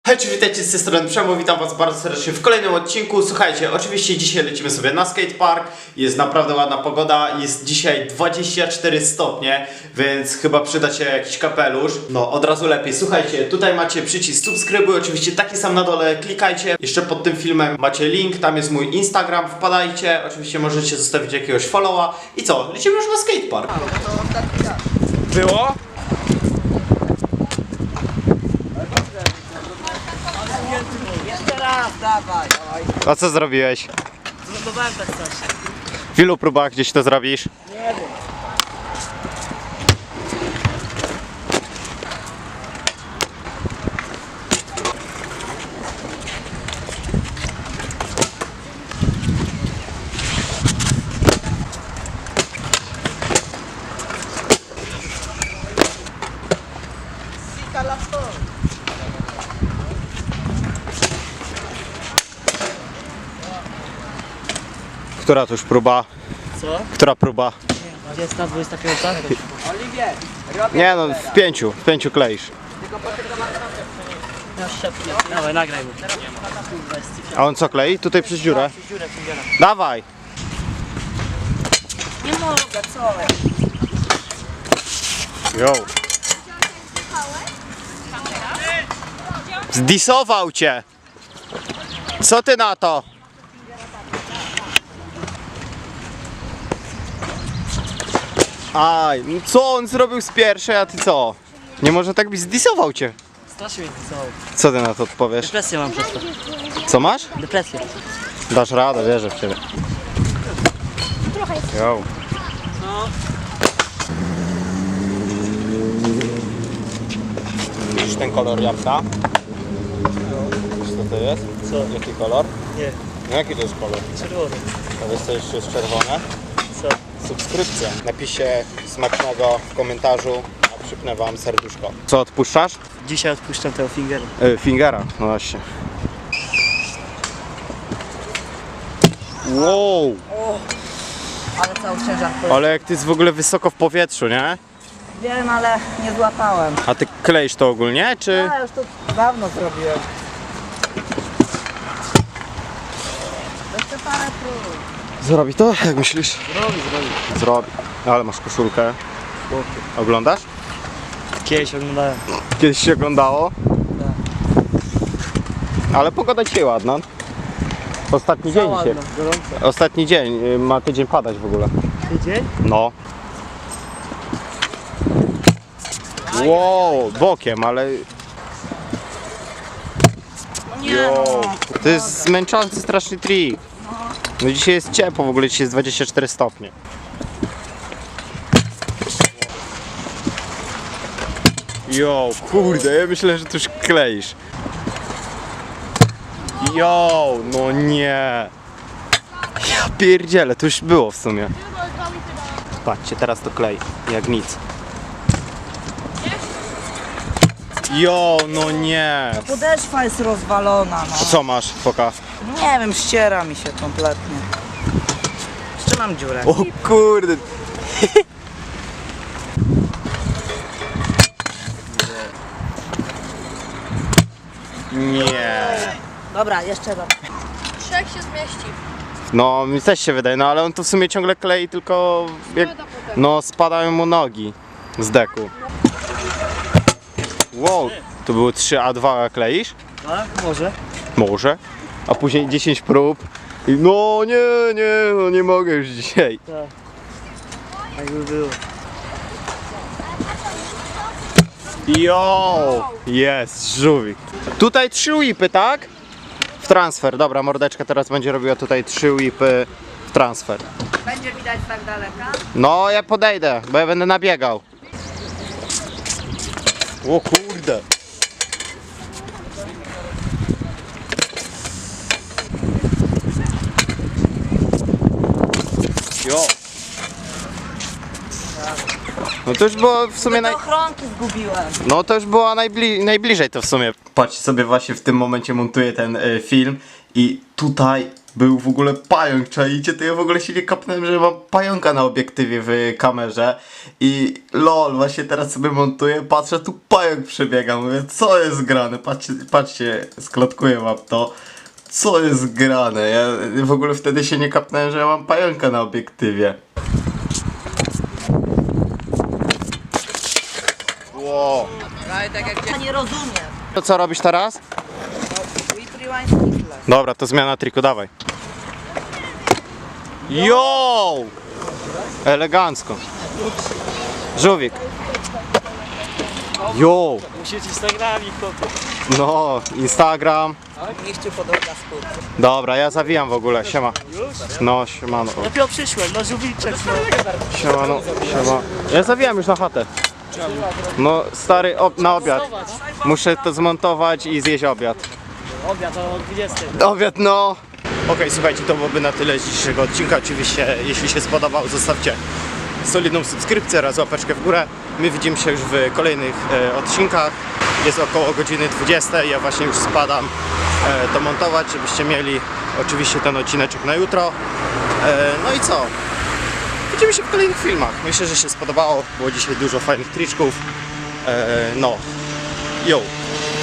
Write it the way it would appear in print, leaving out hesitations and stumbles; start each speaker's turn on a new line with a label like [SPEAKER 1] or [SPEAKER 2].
[SPEAKER 1] Hej, cześć, witajcie z tej strony Przemo, witam was bardzo serdecznie w kolejnym odcinku. Słuchajcie, oczywiście dzisiaj lecimy sobie na skatepark, jest naprawdę ładna pogoda, jest dzisiaj 24 stopnie, więc chyba przyda się jakiś kapelusz. No, od razu lepiej. Słuchajcie, tutaj macie przycisk subskrybuj, oczywiście taki sam na dole, klikajcie. Jeszcze pod tym filmem macie link, tam jest mój Instagram, wpadajcie. Oczywiście możecie zostawić jakiegoś followa. I co, lecimy już na skatepark.
[SPEAKER 2] Było?
[SPEAKER 3] Jeszcze raz, dawaj.
[SPEAKER 1] A co zrobiłeś?
[SPEAKER 3] Zlogowałem tak coś.
[SPEAKER 1] W ilu próbach gdzieś to zrobisz?
[SPEAKER 3] Nie wiem.
[SPEAKER 1] Która to już próba?
[SPEAKER 3] Co?
[SPEAKER 1] Która próba?
[SPEAKER 3] 20, 25. Oliwier, robię.
[SPEAKER 1] Nie no, w pięciu kleisz.
[SPEAKER 3] Ja szepnę. Dawaj, nagraj mu.
[SPEAKER 1] A on co klei? Tutaj przez dziurę?
[SPEAKER 3] Dziurę fingera.
[SPEAKER 1] Dawaj!
[SPEAKER 3] Nie mogę, co?
[SPEAKER 1] Yo. Zdisował cię! Co ty na to? Aj, no co on zrobił z pierwszej, a ty co? Nie może tak być, zdisował cię.
[SPEAKER 3] Strasznie mnie co?
[SPEAKER 1] Co ty na to odpowiesz?
[SPEAKER 3] Depresję mam przez to.
[SPEAKER 1] Co masz?
[SPEAKER 3] Depresję.
[SPEAKER 1] Dasz radę, wierzę w ciebie. Yo. Widzisz ten kolor jabłka? Wiesz co to jest?
[SPEAKER 3] Co?
[SPEAKER 1] Jaki kolor?
[SPEAKER 3] Nie.
[SPEAKER 1] No jaki to jest kolor?
[SPEAKER 3] Czerwony.
[SPEAKER 1] To jest coś jest czerwone.
[SPEAKER 3] Co?
[SPEAKER 1] Subskrypcja. Napiszcie smacznego w komentarzu, a przypnę wam serduszko. Co odpuszczasz?
[SPEAKER 3] Dzisiaj odpuszczam tego fingera.
[SPEAKER 1] Fingera, no właśnie. Wow!
[SPEAKER 3] Ale cały ciężar
[SPEAKER 1] Ale jak ty jest w ogóle wysoko w powietrzu, nie?
[SPEAKER 3] Wiem, ale nie złapałem.
[SPEAKER 1] A ty kleisz to ogólnie, czy?
[SPEAKER 3] Ja już to dawno zrobiłem. Jeszcze parę prób.
[SPEAKER 1] Zrobi to? Jak myślisz?
[SPEAKER 3] Zrobi.
[SPEAKER 1] Zrobi. Ale masz koszulkę. Oglądasz?
[SPEAKER 3] Kiedyś oglądałem.
[SPEAKER 1] Kiedyś się oglądało? Ale pogoda dzisiaj ładna. Ostatni dzień dzisiaj.
[SPEAKER 3] gorąco.
[SPEAKER 1] Ostatni dzień. Ma tydzień padać w ogóle.
[SPEAKER 3] Tydzień?
[SPEAKER 1] No. Wow, bokiem, ale... Yo, to jest zmęczący straszny trik. No dzisiaj jest ciepło, w ogóle dzisiaj jest 24 stopnie. Yo, kurde, ja myślę, że tu już kleisz. Yo, no nie. Ja pierdzielę, to już było w sumie. Patrzcie, teraz to klei, jak nic. Jo, no nie.
[SPEAKER 3] Podeszwa jest rozwalona, no.
[SPEAKER 1] To co masz, foka?
[SPEAKER 3] Nie wiem, ściera mi się kompletnie. Jeszcze mam dziurę.
[SPEAKER 1] O kurde. Nie.
[SPEAKER 3] Dobra, jeszcze raz.
[SPEAKER 4] Trzech się zmieści.
[SPEAKER 1] No, mi też się wydaje, no ale on to w sumie ciągle klei, tylko jak, no spadają mu nogi z deku. Wow, to były 3 a 2 kleisz?
[SPEAKER 3] Tak, może.
[SPEAKER 1] Może. A później 10 prób. I no no nie mogę już dzisiaj.
[SPEAKER 3] Jakby było.
[SPEAKER 1] Jo! Jest, żółwik. Tutaj 3 whipy, tak? W transfer. Dobra, mordeczka teraz będzie robiła tutaj 3 whipy w transfer.
[SPEAKER 3] Będzie widać tak daleka?
[SPEAKER 1] No, ja podejdę, bo ja będę nabiegał. O kurde. Jo. No to już było w sumie
[SPEAKER 3] Te ochronki zgubiłem.
[SPEAKER 1] No to już było najbliżej to w sumie. Patrzcie sobie, właśnie w tym momencie montuję ten film i tutaj był w ogóle pająk, czaicie? To ja w ogóle się nie kapnąłem, że mam pająka na obiektywie w kamerze i lol, właśnie teraz sobie montuję, patrzę, tu pająk przebiega, mówię, co jest grane, patrzcie, sklotkuję wam to, co jest grane, ja w ogóle wtedy się nie kapnąłem, że ja mam pająka na obiektywie. Wow.
[SPEAKER 2] Ale tak jak
[SPEAKER 3] Ja nie rozumiem.
[SPEAKER 1] To co robisz teraz? Dobra, to zmiana triku, dawaj. Yo! Elegancko. Żółwik. Yo!
[SPEAKER 5] Musieć Instagrami, chłopie.
[SPEAKER 1] No, Instagram.
[SPEAKER 3] Miściu podłoga skóry.
[SPEAKER 1] Dobra, ja zawijam w ogóle, siema. No, siemano.
[SPEAKER 5] Dopiero przyszłem, no żółwiczek, no.
[SPEAKER 1] Siemano, siema. Ja zawijam już na chatę. No, stary, na obiad. Muszę to zmontować i zjeść obiad.
[SPEAKER 5] Obiad o 20.
[SPEAKER 1] Obiad, no. Okej, słuchajcie, to byłoby na tyle z dzisiejszego odcinka. Oczywiście, jeśli się spodobał, zostawcie solidną subskrypcję oraz łapeczkę w górę. My widzimy się już w kolejnych odcinkach. Jest około godziny 20. Ja właśnie już spadam to montować, żebyście mieli oczywiście ten odcineczek na jutro. No i co? Widzimy się w kolejnych filmach. Myślę, że się spodobało. Było dzisiaj dużo fajnych triczków. No. Yo.